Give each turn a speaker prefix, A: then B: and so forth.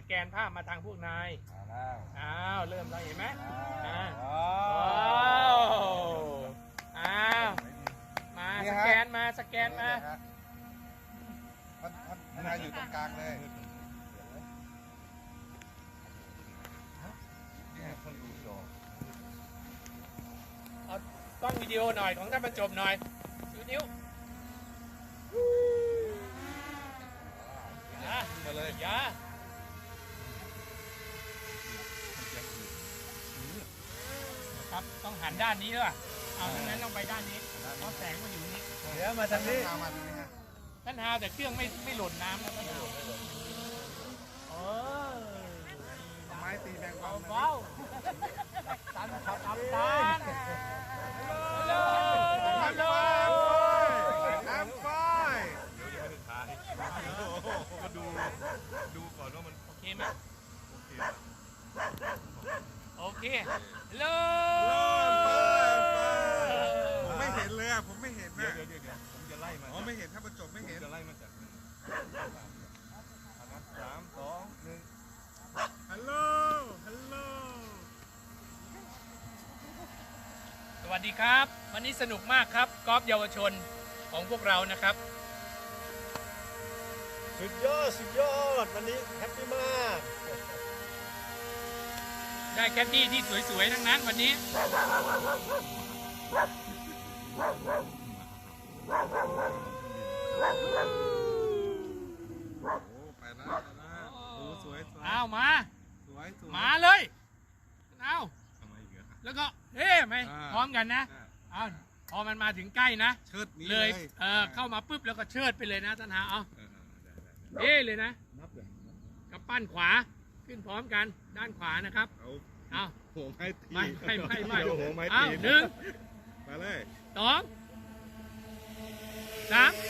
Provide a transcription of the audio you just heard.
A: แกนภาพมาทางพวกนาย
B: แล้ว
A: อ้าวเริ่มแล้วเห็นไหมอ้าว
B: ว้า
A: อ้าวมาสแกนมาสแกนมา
B: ท่านนายอยู่ตรงกลางเลยเนี่ยคนดูจอ
A: เอากล้องวิดีโอหน่อยของท่านบรรจบหน่อยดูนิ้วอย่า
B: มาเลย
A: อย่าครับต้องหันด้านนี้ด้วยเอาทั้งนั้นต้องไปด้านนี้เพราะแสงมันอยู่นี้
B: เดี๋ยวมาทางนี้มาทางนี้ฮะ
A: ท่านฮาวแต่เครื่องไม่หล่นน้ำนะท่านฮาวเออ
B: ไม้ตีแบงบอล
A: เบาๆตันขับตันฮัลโหลฮัลโหล
B: น้ำไฟ
C: มาดูก่อนว่ามัน
A: โอเคไหม
C: โอเค
A: โอเคฮัลโหล
B: ผมไม่เห็นเลยอ่ะผมไม่เห็น
C: เดี๋ย
B: นะ
C: วผมจะไล่มา
B: อ๋อไม่เห็นถ้าประจบไม่เห็น
C: จะไล่มาจากนับ3 2 1
B: ฮัลโหลฮัลโหล
A: สวัสดีครับ วันนี้สนุกมากครับกอล์ฟเยาวชนของพวกเรานะครับ
D: สุดยอดวันนี้แฮปปี้มาก
A: ได้แคดดี้ที่สวยๆทั้งนั้นวันนี้
B: โอ้ไปแล้วโอ้สวยสวย
A: เอามา
B: สวยสวย
A: มาเลยเอา
C: ทำไมอีกอะ
A: แล้วก็เฮ้ไหมพร้อมกันนะเอาพอมันมาถึงใกล้นะ
B: เชิดนี้
A: เล
B: เลย ย
A: เข้ามาปุ๊บแล้วก็เชิดไปเลยนะท่านหาเอา
C: ได้
A: เอ้เลยนะ
B: นับเลย
A: กับปั้นขวาขึ้นพร้อมกันด้านขวานะครับ
B: เอา
A: เอา
B: หัวไม้ตี
A: ไม่
B: โอ้โหไม้
A: เอา
B: ตี
A: หนึ่ง
B: มาเลย
A: สองสาม